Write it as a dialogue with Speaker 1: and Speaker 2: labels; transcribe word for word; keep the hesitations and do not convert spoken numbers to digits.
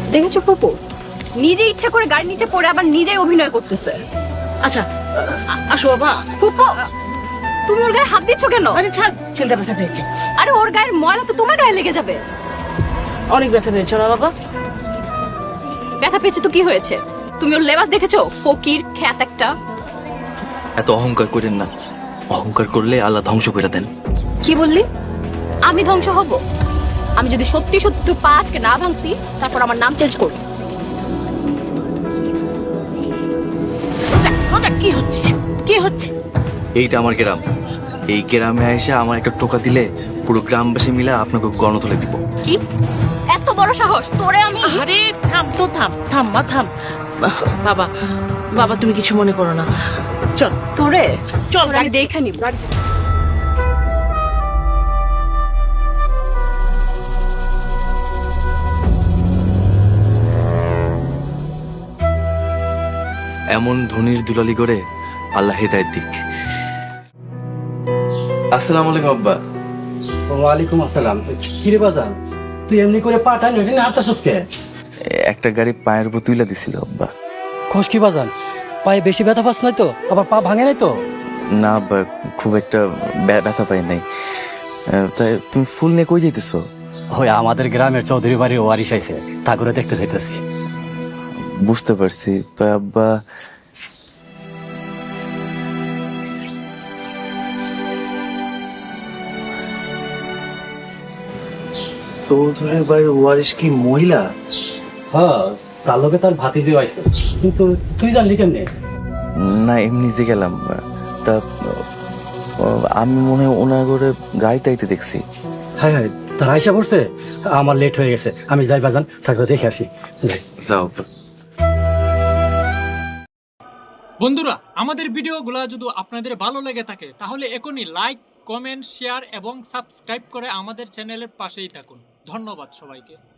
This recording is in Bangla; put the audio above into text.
Speaker 1: দেখেছো ফুপু, নিজে ইচ্ছা করে গাড়ির নিচে পড়ে আবার নিজেই অভিনয় করতেছে।
Speaker 2: আচ্ছা আসো বাবা।
Speaker 1: ফুপু, তুমি ওর গায়ে হাত দিচ্ছ কেন?
Speaker 2: আরে ছাড়, ছেলেটা ব্যথা পেয়েছে।
Speaker 1: আরে ওর গায়ের ময়লা তো তোমার গায়ে লেগে যাবে।
Speaker 2: অনেক ব্যথা পেয়েছে না বাবা?
Speaker 1: ব্যথা পেয়েছে তো কি হয়েছে? তুমি ওর লেবাস দেখেছো? ফকির খ্যাত একটা।
Speaker 3: এত অহংকার করেন না, অহংকার করলে আল্লাহ ধ্বংস করে দেন।
Speaker 1: কি বললি? আমি ধ্বংস হব? আমি যদি সত্যি সত্যি তোর পা আজকে না ভাঙছি, তারপর আমার নাম চেঞ্জ করবো।
Speaker 2: রোজা, কি হচ্ছে কি হচ্ছে?
Speaker 3: এইটা আমার গ্রাম, এই গ্রামে এসে আমার একটা টোকা দিলে পুরো গ্রামবাসী মিলে আপনাকে গণতুলে দিব।
Speaker 1: কি এত বড় সাহস তোরে? আমি
Speaker 2: আরে থাম তো, থাম থাম মা থাম। বাবা বাবা তুমি কিছু মনে করো না, চল
Speaker 1: তোরে
Speaker 2: চল
Speaker 1: তোরে আমি দেখে নিব।
Speaker 3: এমন ধনির দুলালি করে আল্লাহ হেদায়েত দিক। আসসালামু আলাইকুম আব্বা।
Speaker 4: ওয়ালাইকুম আসসালাম। কিরে বাজান, তুই এমনি করে পাঠান ওইটা না আটটাশোস কে?
Speaker 3: একটা গাড়ি পায়ের উপর তুইলা দিছিল আব্বা।
Speaker 4: খোঁজ কি বাজান, পায়ে বেশি ব্যথা পাস নাই তো? আবার পা ভাঙে নাই তো?
Speaker 3: না আব্বা, খুব একটা ব্যা- ব্যথা পাই নাই। আহ, তাই তুমি ফুল নিয়ে কই যাইতেছো?
Speaker 4: ওই আমাদের গ্রামের চৌধুরী বাড়ির ওয়ারিশ আইছে, তা করে দেখতে চাইতেছি।
Speaker 3: বুঝতে পারছি, তো আব্বা চৌধুরীর বাড়ির ওয়ারিশ কি মহিলা?
Speaker 4: হ্যাঁ, তার লোকে তার ভাতিজিও আইছে, কিন্তু তুই জানলি কেমনে?
Speaker 3: না এমনি যে গেলাম, তা আহ, আমি মনে হয় ওনার করে গাড়িতে আইতে দেখছি।
Speaker 4: হ্যাঁ হ্যাঁ, তার আইসা পড়ছে। আমার লেট হয়ে গেছে, আমি যাই বাজান, থাকবে দেখে আসি। যাই।
Speaker 3: যাও আব্বা।
Speaker 5: বন্ধুরা, আমাদের ভিডিওগুলো যদি আপনাদের ভালো লেগে থাকে তাহলে এখনই লাইক, কমেন্ট, শেয়ার এবং সাবস্ক্রাইব করে আমাদের চ্যানেলের পাশেই থাকুন। ধন্যবাদ সবাইকে।